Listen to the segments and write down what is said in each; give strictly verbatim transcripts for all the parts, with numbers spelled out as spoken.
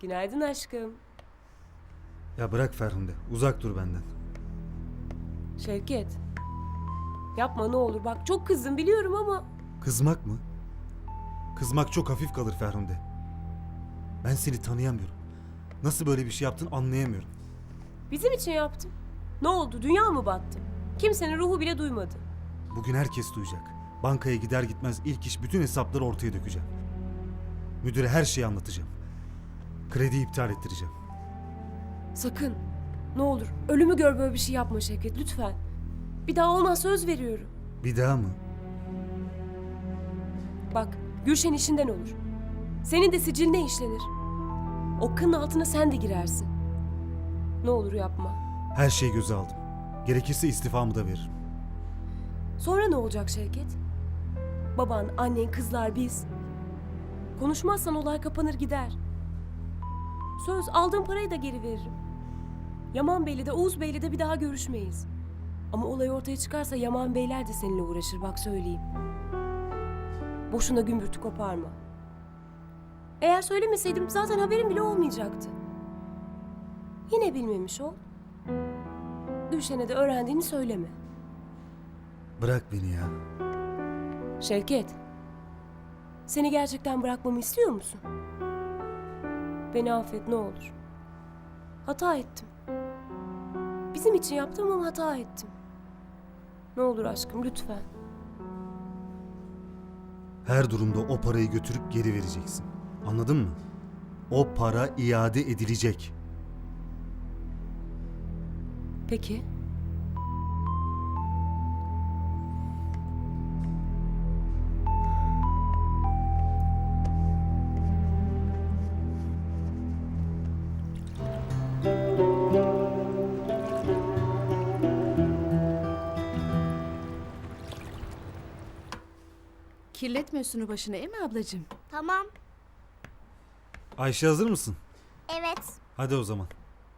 Günaydın aşkım. Ya bırak Ferhunde. Uzak dur benden. Şevket. Yapma ne olur. Bak çok kızdım biliyorum ama. Kızmak mı? Kızmak çok hafif kalır Ferhunde. Ben seni tanıyamıyorum. Nasıl böyle bir şey yaptın anlayamıyorum. Bizim için yaptım. Ne oldu? Dünya mı battı? Kimsenin ruhu bile duymadı. Bugün herkes duyacak. Bankaya gider gitmez ilk iş bütün hesapları ortaya dökeceğim. Müdüre her şeyi anlatacağım. Krediyi iptal ettireceğim. Sakın. Ne olur. Ölümü gör böyle bir şey yapma Şevket lütfen. Bir daha olmaz söz veriyorum. Bir daha mı? Bak Gülşen işinden olur. Senin de siciline işlenir. O kının altına sen de girersin. Ne olur yapma. Her şeyi göze aldım. Gerekirse istifamı da veririm. Sonra ne olacak Şevket? Baban, annen, kızlar biz. Konuşmazsan olay kapanır gider. Söz aldığım parayı da geri veririm. Yaman Bey'le de Oğuz Bey'le de bir daha görüşmeyiz. Ama olay ortaya çıkarsa Yaman Beyler de seninle uğraşır bak söyleyeyim. Boşuna gümbürtü koparma. Eğer söylemeseydim zaten haberim bile olmayacaktı. Yine bilmemiş ol. Gülşen'e de öğrendiğini söyleme. Bırak beni ya. Şevket, seni gerçekten bırakmamı istiyor musun? Beni affet ne olur. Hata ettim. Bizim için yaptım ama hata ettim. Ne olur aşkım lütfen. Her durumda o parayı götürüp geri vereceksin. Anladın mı? O para iade edilecek. Peki. Kirletme üstünü başını, değil mi ablacığım? Tamam. Ayşe hazır mısın? Evet. Hadi o zaman.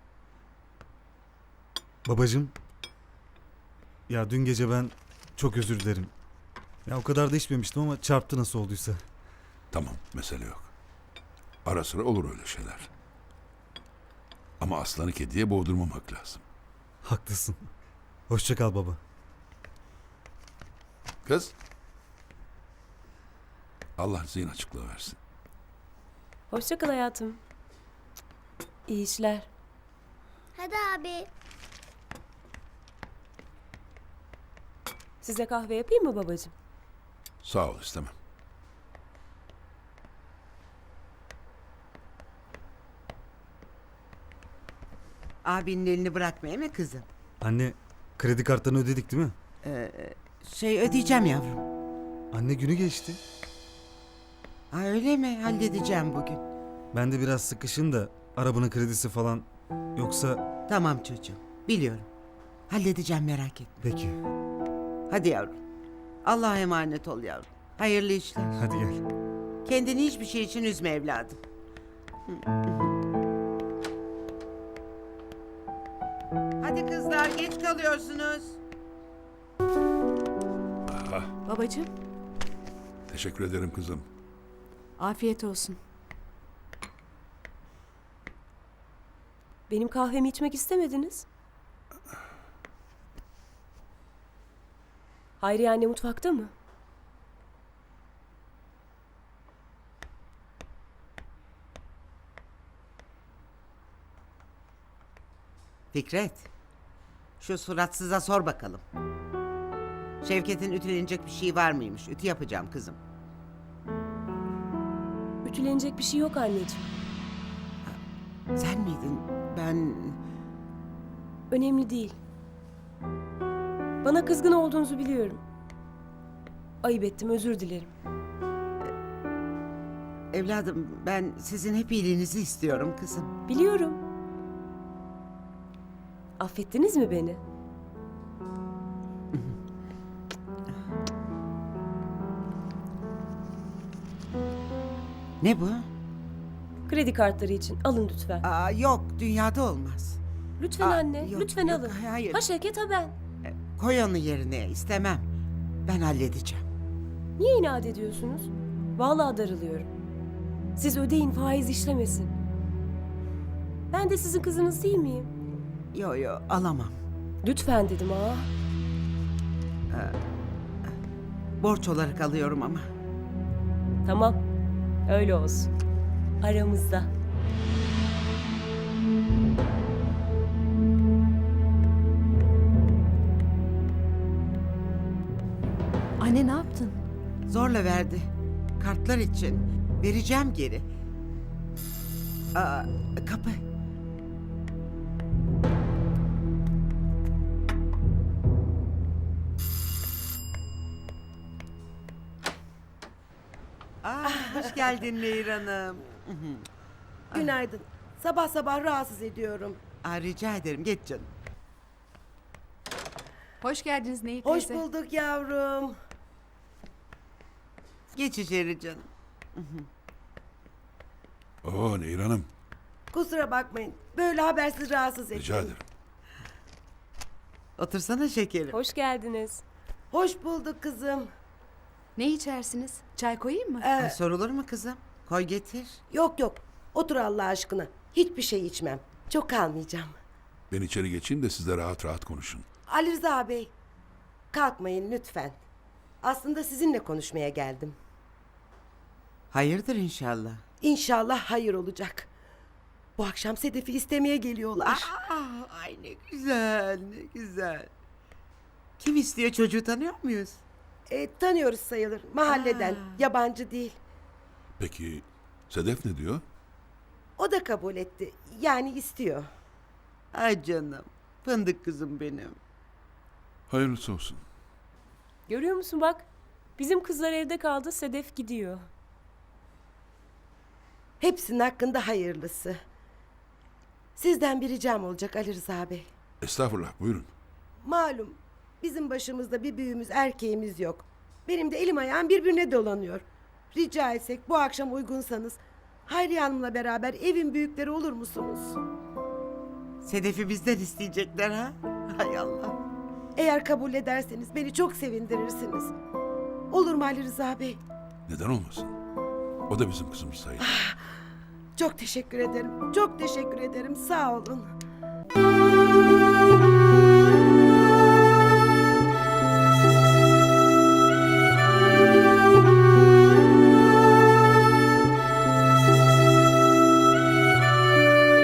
Babacığım. Ya dün gece ben çok özür dilerim. Ya o kadar da içmemiştim ama çarptı nasıl olduysa. Tamam, mesele yok. Ara sıra olur öyle şeyler. Ama aslanı kediye boğdurmamak lazım. Haklısın. Hoşça kal baba. Kız. Allah zihin açıklığı versin. Hoşça kal hayatım. İyi işler. Hadi abi. Size kahve yapayım mı babacığım? Sağ ol, istemem. Abinin elini bırakma değil mi kızım? Anne kredi kartlarını ödedik değil mi? Şey ödeyeceğim yavrum. Anne günü geçti. Ha öyle mi? Halledeceğim bugün. Ben de biraz sıkışın da arabanın kredisi falan yoksa... Tamam çocuğum. Biliyorum. Halledeceğim merak etme. Peki Hadi yavrum. Allah'a emanet ol yavrum. Hayırlı işler. hadi gel. Kendini hiçbir şey için üzme evladım. Hadi kızlar geç kalıyorsunuz. Babacığım, Teşekkür ederim kızım. afiyet olsun. Benim kahvemi içmek istemediniz. Hayriye anne mutfakta mı? Fikret. Şu suratsıza sor bakalım. Şevket'in ütülenecek bir şey var mıymış? Ütü yapacağım kızım. Ütülenecek bir şey yok anneciğim. Sen miydin? Ben... Önemli değil. Bana kızgın olduğunuzu biliyorum. Ayıp ettim, özür dilerim. Evladım ben sizin hep iyiliğinizi istiyorum kızım. Biliyorum. Affettiniz mi beni? Ne bu? Kredi kartları için alın lütfen. Aa, yok dünyada olmaz. Lütfen Aa, anne, yok, lütfen yok, alın. hayır. Ha Şevket ha ben. Koy onu yerine istemem. Ben halledeceğim. Niye inat ediyorsunuz? Vallahi darılıyorum. Siz ödeyin, faiz işlemesin. Ben de sizin kızınız değil miyim? Yo yo alamam. Lütfen dedim ha. Borç olarak alıyorum ama. Tamam. Öyle olsun. Aramızda. Anne ne yaptın? Zorla verdi. Kartlar için. Vereceğim geri. Aa, kapı. Aa, hoş geldin Nehir Hanım. Günaydın. Sabah sabah rahatsız ediyorum. Aa, rica ederim geç canım. Hoş geldiniz Nehir Hoş teyze. bulduk yavrum. Geç içeri canım. Oo Nehir Hanım. Kusura bakmayın. Böyle habersiz rahatsız ettim. Rica ederim. Otursana şekerim. Hoş geldiniz. Hoş bulduk kızım. Ne içersiniz? Çay koyayım mı? Ee, Ay, sorulur mu kızım? Koy getir. yok yok. Otur Allah aşkına. Hiçbir şey içmem. Çok kalmayacağım. Ben içeri geçeyim de siz de rahat rahat konuşun. Ali Rıza Bey. Kalkmayın lütfen. Aslında sizinle konuşmaya geldim. Hayırdır inşallah. İnşallah hayır olacak. Bu akşam Sedef'i istemeye geliyorlar. Aa, ay ne güzel, ne güzel. Kim istiyor, çocuğu tanıyor muyuz? E, tanıyoruz sayılır. Mahalleden. Aa. Yabancı değil. Peki Sedef ne diyor? O da kabul etti. Yani istiyor. Ay canım, fındık kızım benim. Hayırlısı olsun. Görüyor musun bak? Bizim kızlar evde kaldı, Sedef gidiyor. Hepsinin hakkında hayırlısı. Sizden bir ricam olacak Ali Rıza Bey. Estağfurullah buyurun. Malum bizim başımızda bir büyüğümüz erkeğimiz yok. Benim de elim ayağım birbirine dolanıyor. Rica etsek bu akşam uygunsanız Hayriye Hanım'la beraber evin büyükleri olur musunuz? Sedef'i bizden isteyecekler ha? Hay Allah. Eğer kabul ederseniz beni çok sevindirirsiniz. Olur mu Ali Rıza Bey? Neden olmasın? O da bizim kızımız sayılır. Çok teşekkür ederim. Çok teşekkür ederim. Sağ olun.